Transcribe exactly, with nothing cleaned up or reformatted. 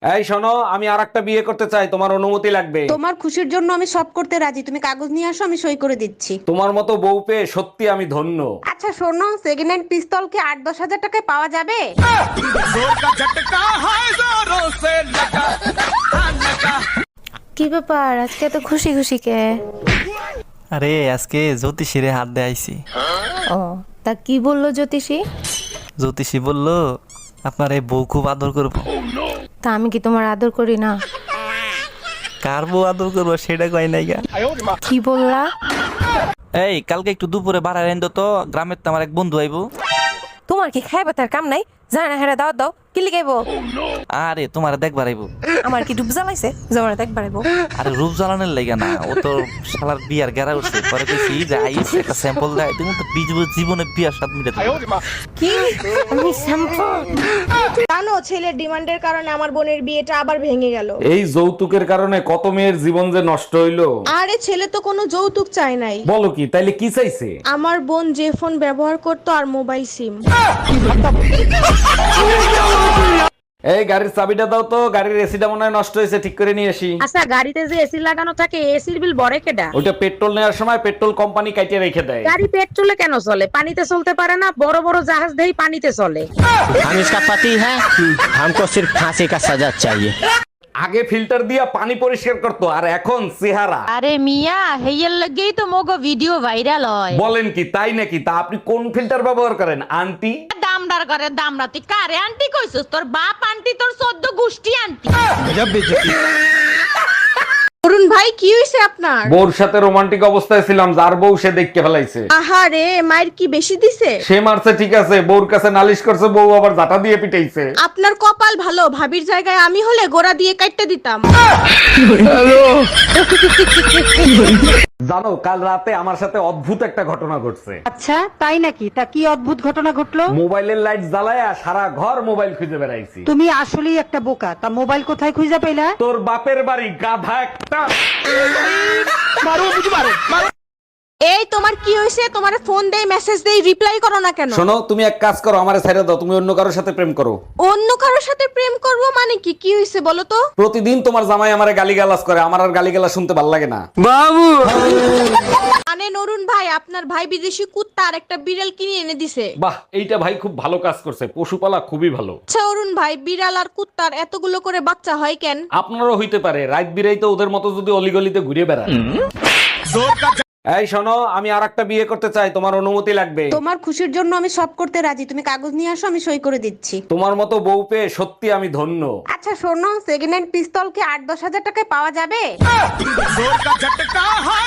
এই শোনো, আমি আর একটা বিয়ে করতে চাই, তোমার অনুমতি লাগবে। তোমার খুশির জন্য আমি সব করতে রাজি, তুমি কাগজ নিয়ে আসো, আমি সই করে দিচ্ছি। তোমার মতো বউ পেয়ে সত্যি আমি ধন্য। আচ্ছা শোনো, সেকেন্ড হ্যান্ড পিস্তল কি আট দশ হাজার টাকায় পাওয়া যাবে? কি ব্যাপার আজকে এত খুশি খুশি কে? আরে আজকে জ্যোতিষীরে হাত দিয়ে আইছি। ও তা কি বললো জ্যোতিষী? জ্যোতিষী বলল আপনার এই বউ খুব আদর করবো। তা আমি কি তোমার আদর করি না? কার বউ আদর করবো সেটা কয় নাই গা। কি বললা? এই কালকে একটু দুপুরে বাড়ায় এনে তো, গ্রামের তো আমার এক বন্ধু আইবো। তোমার কি খাইবা তার কাম নাই? জানা হেরা দাও দাও কি লিখাইবো? আরে তোমার দেখবার আইবো। আমার কি ডুব জ্বালাইছে জমানা দেখ বাড়াইবো? আরে রূপ জ্বালানোর লাগে না, ও তো শালার বিয়ার গেরা উঠছে। পরে কইছি যে আইস একটা স্যাম্পল দেয়, তুমি তো বিজ- জীবনে বিয়ার স্বাদ মিটাতে পারবে না। কি আমি শ্যাম্পু? জানো ছেলের ডিমান্ডের কারণে আমার বোনের বিয়েটা আবার ভেঙে গেল। এই যৌতুকের কারণে কত মেয়ের জীবন যে নষ্ট হইলো। আরে ছেলে তো কোনো যৌতুক চায় নাই, বলো কি, তাইলে কি চাইছে? আমার বোন যে ফোন ব্যবহার করতো আর মোবাইল সিম। এই গাড়ির চাবিটা দাও তো, গাড়ির এসিটা মনে হয় নষ্ট হয়েছে, ঠিক করে নিয়ে আসি। আচ্ছা গাড়িতে যে এসি লাগানো থাকে এসির বিল বড় কেডা? ওইটা পেট্রোল নেওয়ার সময় পেট্রোল কোম্পানি কাটিয়ে রেখে দেয়। গাড়ি পেট্রোলে কেন চলে? পানিতে চলতে পারে না? বড় বড় জাহাজ দেই পানিতে চলে। हम इसका पति है, हमको सिर्फ फांसी का सजा चाहिए। আগে ফিল্টার দিয়া পানি পরিষ্কার করতো, আর এখন চেহারা। আরে মিয়া হেয়ার লাগেই তো মোগো ভিডিও ভাইরাল হয়। বলেন কি, তাই নাকি? তা আপনি কোন ফিল্টার ব্যবহার করেন আন্টি? দামদার করে দামরা তুই কারে আন্টি কইছস? তোর বাপ আন্টি, তোর চোদ্দ গোষ্ঠী আন্টি। অরুণ ভাই কি হইছে আপনার? বউর সাথে রোমান্টিক অবস্থায় ছিলাম, যার বউ সে দেখতে ফেলাইছে। আহারে মায়ের কি বেশি দিছে? সে মারছে ঠিক আছে, বউর কাছে নালিশ করছে, বউ আবার জাটা দিয়ে পিটাইছে। আপনার কপাল ভালো, ভাবির জায়গায় আমি হলে গোড়া দিয়ে কাটতে দিতাম। জানো, কাল রাতে আমার সাথে অদ্ভুত একটা ঘটনা ঘটছে। আচ্ছা তাই নাকি? তা কি অদ্ভুত ঘটনা ঘটলো? মোবাইলের লাইট জ্বালায়া সারা ঘর মোবাইল খুঁজে বেড়াইছি। তুমি আসলেই একটা বোকা। তা মোবাইল কোথায় খুঁজে পেলা? তোর বাপের বাড়ি, গাধা একটা। এই তোমার কি হইছে? তোমার ফোন দেই মেসেজ দেই রিপ্লাই করো না কেন? শোনো, তুমি এক কাজ করো, আমারে ছেড়ে দাও, তুমি অন্য কারোর সাথে প্রেম করো। অন্য কারোর সাথে প্রেম করব মানে কি? কি হইছে বলো তো? প্রতিদিন তোমার জামাই আমারে গালিগালাজ করে, আমার আর গালিগালাজ শুনতে ভাল লাগে না। মানে নরুন ভাই, আপনার ভাই বিদেশি কুত্তা আর একটা বিড়াল কিনে এনে দিছে। বাহ, এইটা ভাই খুব ভালো কাজ করছে, পশুপালা খুবই ভালো। আচ্ছা অরুণ ভাই, বিড়াল আর কুত্তার এতগুলো করে বাচ্চা হয় কেন? আপনারও হইতে পারে, রাত বিরাইতে ওদের মতো যদি অলিগলিতে ঘুরে বেড়ান। এই শোনো, আমি আর একটা বিয়ে করতে চাই, তোমার অনুমতি লাগবে। তোমার খুশির জন্য আমি সব করতে রাজি, তুমি কাগজ নিয়ে আসো, আমি সই করে দিচ্ছি। তোমার মতো বউ পেয়ে সত্যি আমি ধন্য। আচ্ছা শোনো, সেকেন্ড হ্যান্ড পিস্তল কি আট দশ হাজার টাকায় পাওয়া যাবে?